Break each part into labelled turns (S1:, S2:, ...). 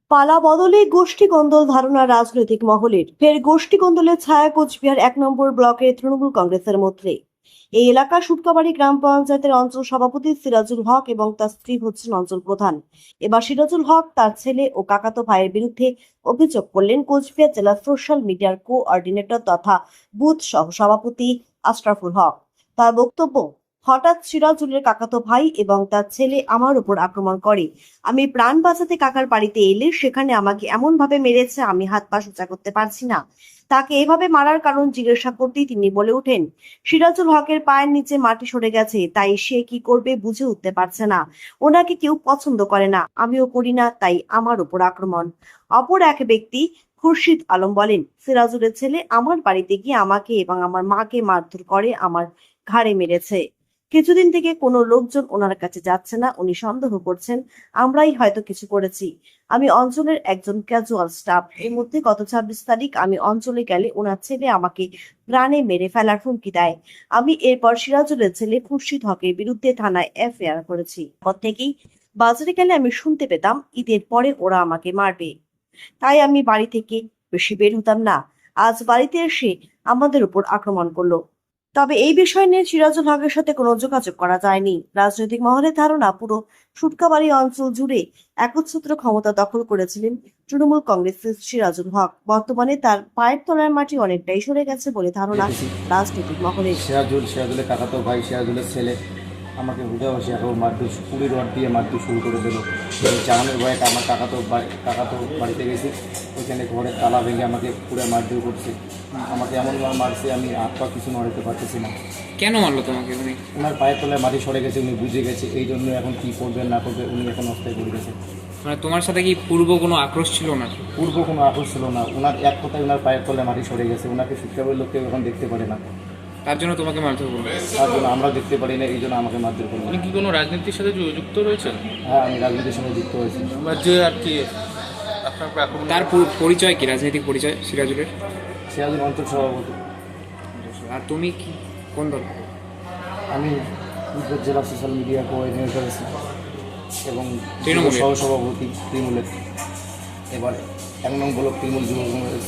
S1: পালা বদলে গোষ্ঠী কোন্দল ধারণা রাজনৈতিক মহলের। ফের গোষ্ঠী কোন্দলের ছায়া কোচবিহার 1 নম্বর ব্লকের তৃণমূল কংগ্রেসের মধ্যে। এই এলাকা সুটকাবাড়ি গ্রাম পঞ্চায়েতের অঞ্চল সভাপতি সিরাজুল হক এবং তার স্ত্রী হচ্ছেন অঞ্চল প্রধান। এবার সিরাজুল হক তার ছেলে ও কাকাতো ভাইয়ের বিরুদ্ধে অভিযোগ করলেন কোচবিহার জেলা সোশ্যাল মিডিয়ার কোঅর্ডিনেটর তথা বুথ সহ সভাপতি আশরাফুল হক। তার বক্তব্য, হঠাৎ সিরাজুলের কাকাতো ভাই এবং তার ছেলে আমার উপর আক্রমণ করে। আমি প্রাণ বাঁচাতে কাকার বাড়িতে এলে সেখানে আমাকে এমন ভাবে মেরেছে, আমি হাত পা সোজা করতে পারছি না। তাকে এভাবে মারার কারণ জিজ্ঞাসা করতেই তিনি বলে ওঠেন, সিরাজুল হকের পায়ের নিচে মাটি সরে গেছে, তাই সে কি করবে বুঝে উঠতে পারছে না। ওনাকে কেউ পছন্দ করে না, আমিও করি না, তাই আমার উপর আক্রমণ। অপর এক ব্যক্তি খুরশিদ আলম বলেন, সিরাজুলের ছেলে আমার বাড়িতে গিয়ে আমাকে এবং আমার মাকে মারধর করে, আমার ঘাড়ে মেরেছে। কিছুদিন থেকে কোনো লোকজন ওনার কাছে যাচ্ছে না, উনি সন্দেহ করছেন আমরাই হয়তো কিছু করেছি। আমি অঞ্চলের একজন ক্যাজুয়াল স্টাফ। এর মধ্যে গত 26 তারিখ আমি অঞ্চলে গেলে ওনার ছেলে আমাকে প্রাণে মেরে ফেলার হুমকি দেয়। আমি এরপর সিরাজুলের ছেলে খুরশিদ হকের বিরুদ্ধে থানায় এফআইআর করেছি। পর থেকেই বাজারে গেলে আমি শুনতে পেতাম ঈদের পরে ওরা আমাকে মারবে, তাই আমি বাড়ি থেকে বেশি বের হতাম না। আজ বাড়িতে এসে আমাদের উপর আক্রমণ করলো। তবে এই বিষয় নিয়ে সিরাজুল হকের সাথে কোনো যোগাযোগ করা যায়নি। রাজনৈতিক মহলের ধারণা, পুরো সুটকাবাড়ি অঞ্চল জুড়ে একচ্ছত্র ক্ষমতা দখল করেছিলেন তৃণমূল কংগ্রেসের সিরাজুল হক। বর্তমানে তার পায়ের তলার মাটি অনেকটাই সরে গেছে বলে ধারণা রাজনৈতিক মহলের।
S2: সিরাজুলের কাকাতো ভাই, সিরাজুলের ছেলে আমাকে বুঝাবসে এখন মারধর পুরি রড দিয়ে মারধর শুরু করে দিল। চালানোর ভয়ে আমার কাকাতো বাড়িতে গেছি, ওইখানে ঘরের তালা ভেঙে আমাকে পুরো মারধর করছে। আমাকে এমনভাবে মারছে আমি হাত পা কিছু নড়াতে পারতেছি না।
S3: কেন মারলো তোমাকে উনি?
S2: ওনার পায়ের তলায় মাটি সরে গেছে, উনি বুঝে গেছে, এই জন্য এখন কী করবেন না করবে উনি এখন অস্থায় করে গেছে।
S3: মানে তোমার সাথে কি পূর্ব কোনো আক্রোশ ছিল না?
S2: পূর্ব কোনো আক্রোশ ছিল না, ওনার এক কথায় ওনার পায়ের তলায় মাটি সরে গেছে, ওনাকে শিক্ষাবের লোক কেউ এখন দেখতে পারে না,
S3: তার জন্য তোমাকে মারধর করলো?
S2: তার জন্য আমরা দেখতে পারি না, এই জন্য আমাকে মারধর করলো।
S4: উনি কি কোনো রাজনীতির সাথে যুক্ত রয়েছেন?
S2: হ্যাঁ, আমি রাজনীতির সঙ্গে যুক্ত হয়েছি।
S4: যে আর কি আপনার আক্রমণ
S3: তার পরিচয় কি, রাজনৈতিক পরিচয় সিরাজুলের?
S2: সিরাজুল অঞ্চল সভাপতি।
S3: আর তুমি কি কোন দল?
S2: আমি কুচবিহার জেলা সোশ্যাল মিডিয়া কোঅর্ডিনেটর আছি এবং
S3: তৃণমূলের
S2: সহসভাপতি তৃণমূলের। এবার 1 নং ব্লক তৃণমূল যুব কংগ্রেস।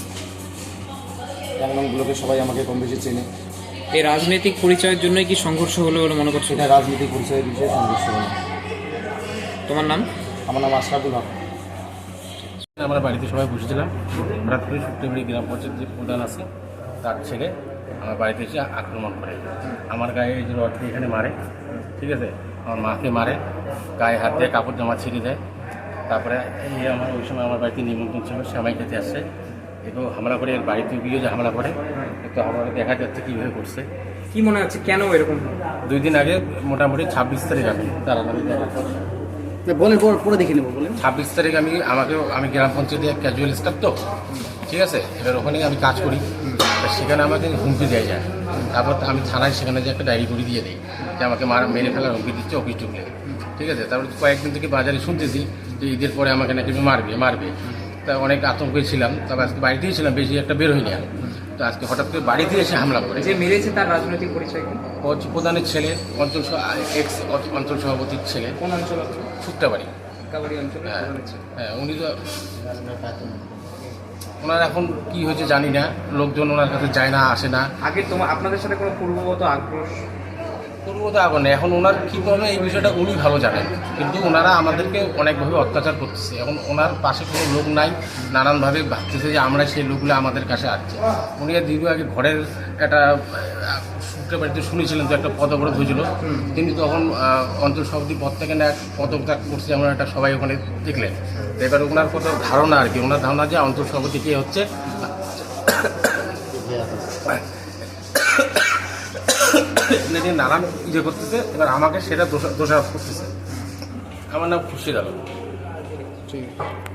S2: 1 নং ব্লকে সবাই আমাকে কম বেশি চেনে।
S3: এই রাজনৈতিক পরিচয়ের জন্যই কি সংঘর্ষ হলো বলে মনে করছো?
S2: এটা রাজনীতি পরিচয়ের বিষয়ে সংঘর্ষ হলো।
S3: তোমার নাম?
S2: আমার নাম আশরাফুল হক।
S4: আমরা বাড়িতে সবাই বসেছিলাম, হঠাৎ করে সুটকাবাড়ি গ্রাম পঞ্চায়েত যে প্রধান আছে তার ছেলে আমার বাড়িতে এসে আক্রমণ করে। আমার গায়ে এই যে রড দিয়ে এখানে মারে, ঠিক আছে, আমার মাকে মারে, গায়ে হাত দিয়ে কাপড় জামা ছিঁড়ে দেয়। তারপরে এই আমার ওই সময় আমার বাড়িতে নিমন্ত্রণ ছিল, সেমাই খেতে আসছে, একেও হামলা করে, এর বাড়িতে গিয়ে যে হামলা করে, একটু হামলা দেখা যাচ্ছে কীভাবে করছে।
S3: কি মনে হচ্ছে কেন এরকম?
S4: 2 দিন আগে মোটামুটি 26 তারিখ আমি তার আমাদের দেখা
S5: বলেন, পরে দেখে নেবো। বলেন
S4: 26 তারিখ আমি গ্রাম পঞ্চায়েতে ক্যাজুয়াল স্টাফ তো, ঠিক আছে, এবার ওখানে আমি কাজ করি, সেখানে আমাকে হুমকি দেওয়া যায়। তারপর আমি থানায় সেখানে যে একটা ডায়েরি করে দিয়ে দিই যে আমাকে মেরে ফেলার হুমকি দিচ্ছে অফিস ঢুকলে, ঠিক আছে। তারপর কয়েকদিন থেকে বাজারে শুনতেছি যে ঈদের পরে আমাকে নাকি মারবে। তা অনেক আতঙ্কে ছিলাম, তবে আজকে বাড়িতেই ছিলাম, বেশি একটা বের হইনি। তো আজকে হঠাৎ করে বাড়িতে এসে হামলা করে।
S3: যে মেরেছে তার রাজনৈতিক পরিচয় কি?
S4: প্রধানের ছেলে, অঞ্চল সভাপতির ছেলে।
S3: কোন অঞ্চল?
S4: সুটকাবাড়ি
S3: অঞ্চল।
S4: হ্যাঁ, উনি তো ওনার এখন কি হয়েছে জানি না, লোকজন ওনার কাছে যায় না, আসে না।
S3: আগে আপনাদের সাথে কোনো পূর্বগত আক্রোশ?
S4: পূর্বত আগুন নেই, এখন ওনার কী প্রবলেম এই বিষয়টা উনি ভালো জানেন, কিন্তু ওনারা আমাদেরকে অনেকভাবে অত্যাচার করতেছে। এখন ওনার পাশে কোনো লোক নাই, নানানভাবে ভাবতেছে যে আমরা সেই লোকগুলো আমাদের কাছে আসছে। উনি দীর্ঘ আগে ঘরের একটা সূত্রে বাড়িতে শুনেছিলেন তো একটা পদবরোধ হয়েছিল, তিনি তখন অঞ্চল সভাপতি পদ থেকে না পদত্যাগ করছে, আমরা একটা সবাই ওখানে দেখলেন। এবার ওনার কত ধারণা আর কি, ওনার ধারণা যে অঞ্চল সভাপতি কে হচ্ছে নানান করতেছে, এবার আমাকে সেটা দোষারোপ করতেছে। আমার নাম খুরশিদ আলম।